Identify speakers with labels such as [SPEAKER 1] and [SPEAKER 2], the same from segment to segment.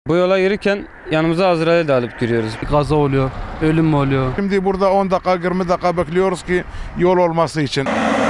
[SPEAKER 1] Bu yola yürürken yanımıza Azrail de alıp giriyoruz.
[SPEAKER 2] Kaza oluyor, ölüm mü oluyor?
[SPEAKER 3] Şimdi burada 10 dakika 20 dakika bekliyoruz ki yol olması için.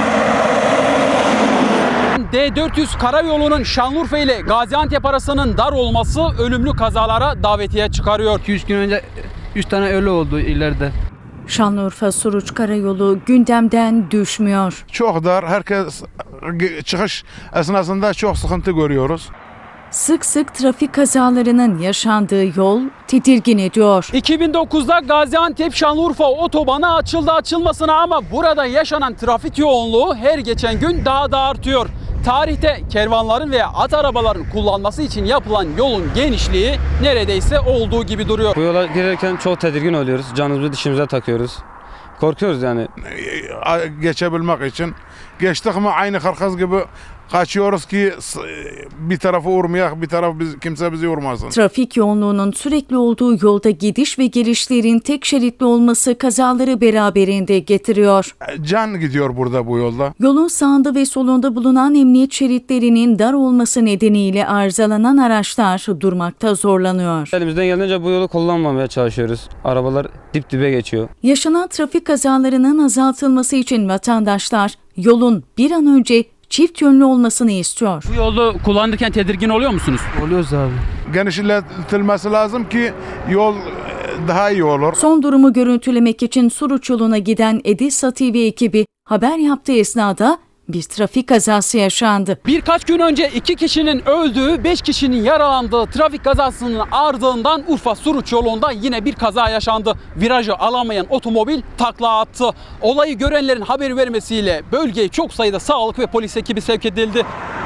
[SPEAKER 4] D400 karayolunun Şanlıurfa ile Gaziantep arasının dar olması ölümlü kazalara davetiye çıkarıyor.
[SPEAKER 2] 2-3 gün önce 3 tane ölü oldu ileride.
[SPEAKER 5] Şanlıurfa-Suruç karayolu gündemden düşmüyor.
[SPEAKER 3] Çok dar, herkes çıkış esnasında çok sıkıntı görüyoruz.
[SPEAKER 5] Sık sık trafik kazalarının yaşandığı yol tedirgin ediyor.
[SPEAKER 4] 2009'da Gaziantep-Şanlıurfa otobanı açıldı açılmasına ama burada yaşanan trafik yoğunluğu her geçen gün daha da artıyor. Tarihte kervanların veya at arabaların kullanması için yapılan yolun genişliği neredeyse olduğu gibi duruyor.
[SPEAKER 1] Bu yola girerken çok tedirgin oluyoruz. Canımızı dişimize takıyoruz. Korkuyoruz yani.
[SPEAKER 3] Geçebilmek için. Geçtik mi aynı karkaz gibi kaçıyoruz ki bir tarafı vurmayak, bir taraf kimse bizi vurmasın.
[SPEAKER 5] Trafik yoğunluğunun sürekli olduğu yolda gidiş ve gelişlerin tek şeritli olması kazaları beraberinde getiriyor.
[SPEAKER 3] Can gidiyor burada bu yolda.
[SPEAKER 5] Yolun sağında ve solunda bulunan emniyet şeritlerinin dar olması nedeniyle arızalanan araçlar durmakta zorlanıyor.
[SPEAKER 1] Elimizden geldiğince bu yolu kullanmamaya çalışıyoruz. Arabalar dip dibe geçiyor.
[SPEAKER 5] Yaşanan trafik kazalarının azaltılması için vatandaşlar yolun bir an önce çift yönlü olmasını istiyor.
[SPEAKER 4] Bu yolu kullanırken tedirgin oluyor musunuz?
[SPEAKER 2] Oluyoruz abi.
[SPEAKER 3] Genişletilmesi lazım ki yol daha iyi olur.
[SPEAKER 5] Son durumu görüntülemek için Suruç yoluna giden Edisa TV ekibi haber yaptığı esnada bir trafik kazası yaşandı.
[SPEAKER 4] Birkaç gün önce 2 kişinin öldüğü, 5 kişinin yaralandığı trafik kazasının ardından Urfa-Suruç yolunda yine bir kaza yaşandı. Virajı alamayan otomobil takla attı. Olayı görenlerin haber vermesiyle bölgeye çok sayıda sağlık ve polis ekibi sevk edildi.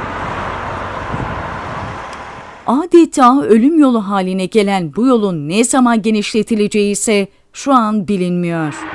[SPEAKER 5] Adeta ölüm yolu haline gelen bu yolun ne zaman genişletileceği ise şu an bilinmiyor.